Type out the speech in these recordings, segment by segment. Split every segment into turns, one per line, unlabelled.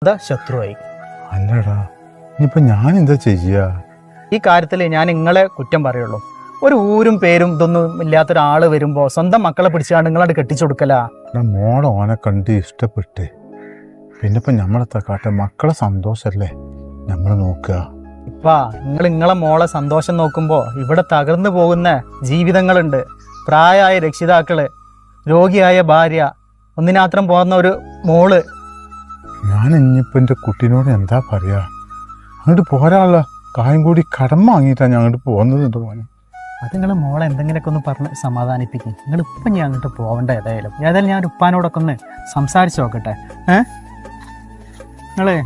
ശത്രുവായി.
അല്ലടാ, ഇനിയിപ്പോ ഞാൻ എന്താ ചെയ്യാ?
ഈ കാര്യത്തിൽ ഞാൻ നിങ്ങളെ കുറ്റം പറയുള്ളൂ. ഒരു ഊരും പേരും ഇതൊന്നും ഇല്ലാത്തൊരാള് വരുമ്പോ സ്വന്തം മക്കളെ പിടിച്ചാണ് നിങ്ങളത് കെട്ടിച്ചു കൊടുക്കല.
മോളെ ഓനെ കണ്ട് ഇഷ്ടപ്പെട്ട് പിന്നെ ഇപ്പൊ നമ്മളെത്താ കാട്ടെ? മക്കളെ സന്തോഷല്ലേ നമ്മൾ നോക്കുക.
ഇപ്പാ നിങ്ങളെ മോളെ സന്തോഷം നോക്കുമ്പോ ഇവിടെ തകർന്നു പോകുന്ന ജീവിതങ്ങളുണ്ട്. പ്രായമായ രക്ഷിതാക്കള്, രോഗിയായ ഭാര്യ, ഒന്നിനാത്രം പോകുന്ന ഒരു മോള്.
ഞാൻ ഇനിയിപ്പോ എൻ്റെ കുട്ടീനോട് എന്താ പറയാ? അങ്ങോട്ട് പോരാനുള്ള കായം കൂടി കടം വാങ്ങിയിട്ടാണ് ഞാൻ അങ്ങോട്ട് പോകുന്നത്. മോനെ,
അത് നിങ്ങൾ മോളെ എന്തെങ്കിലുമൊക്കെ ഒന്ന് പറഞ്ഞ് സമാധാനിപ്പിക്കും. നിങ്ങൾ ഇപ്പം ഞാൻ അങ്ങോട്ട് പോകണ്ട. ഏതായാലും ഞാൻ ഒരു ഉപ്പാനോടൊക്കെ ഒന്ന് സംസാരിച്ച് നോക്കട്ടെ. നിങ്ങളെ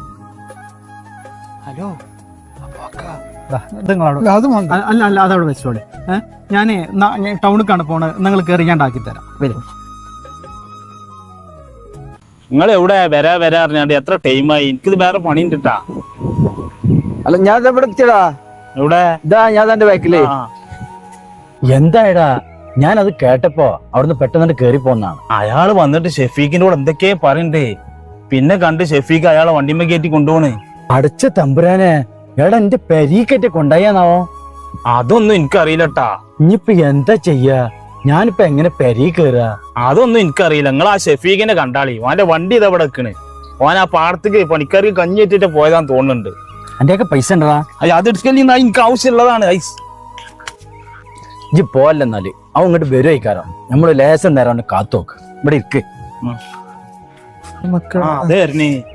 ഹലോ ഇത് നിങ്ങളോട് അല്ല അതവിടെ വെച്ചോളെ. ഞാൻ ടൗണിലേക്കാണ് പോണത്. നിങ്ങൾ കയറി ഞാൻ ഉണ്ടാക്കി തരാം. വരും.
നിങ്ങൾ എവിടെ വരാ അറിഞ്ഞാണ്ട് എത്ര ടൈമായി? എനിക്കിത് വേറെ പണി ഉണ്ടിട്ടാ.
അല്ല ഞാൻ ഇവിടെ എത്തിയടാ.
എവിടെ?
ഇതാ ഞാൻ തന്റെ ബാക്കില്.
എന്തായടാ? ഞാനത് കേട്ടപ്പോ അവിടുന്ന് പെട്ടെന്ന് കേറി പോന്നാണ്.
അയാള് വന്നിട്ട് ഷെഫീഖിന്റെ കൂടെ എന്തൊക്കെയാ പറയണ്ടേ. പിന്നെ കണ്ട് ഷെഫീഖ് അയാളെ വണ്ടിമേ കയറ്റി കൊണ്ടുപോണേ.
അടച്ച തമ്പുരാനെ, എടാ എന്റെ പെരീക്കറ്റ് കൊണ്ടായാന്നാവോ?
അതൊന്നും എനിക്കറിയില്ലട്ടാ.
ഇനിയിപ്പൊ എന്താ ചെയ്യാ? ഞാനിപ്പോ എങ്ങനെ പെരീ കേറാ?
അതൊന്നും എനിക്കറിയില്ല. നിങ്ങൾ ആ ഷെഫീഖിനെ കണ്ടാളി. ഓന്റെ വണ്ടി ഇതാ ഇവിടെ വെക്കണ്. ഓൻ ആ പാടത്തേക്ക് പണിക്കാർക്ക് കഞ്ഞി വെച്ചിട്ട് പോയതാന്ന് തോന്നുന്നുണ്ട്.
എന്റെയൊക്കെ പൈസ ഉണ്ടടാ.
അത് എടുക്കല് എനിക്ക് ആവശ്യമുള്ളതാണ്.
ഇജ്ജ് പോവല്ലെന്നാല് അവൻ ഇങ്ങോട്ട് വരുവായിക്കാരം. നമ്മള് ലേശം നേരം കാത്തോക്ക്. ഇവിടെ ഇരിക്ക്.
അതെ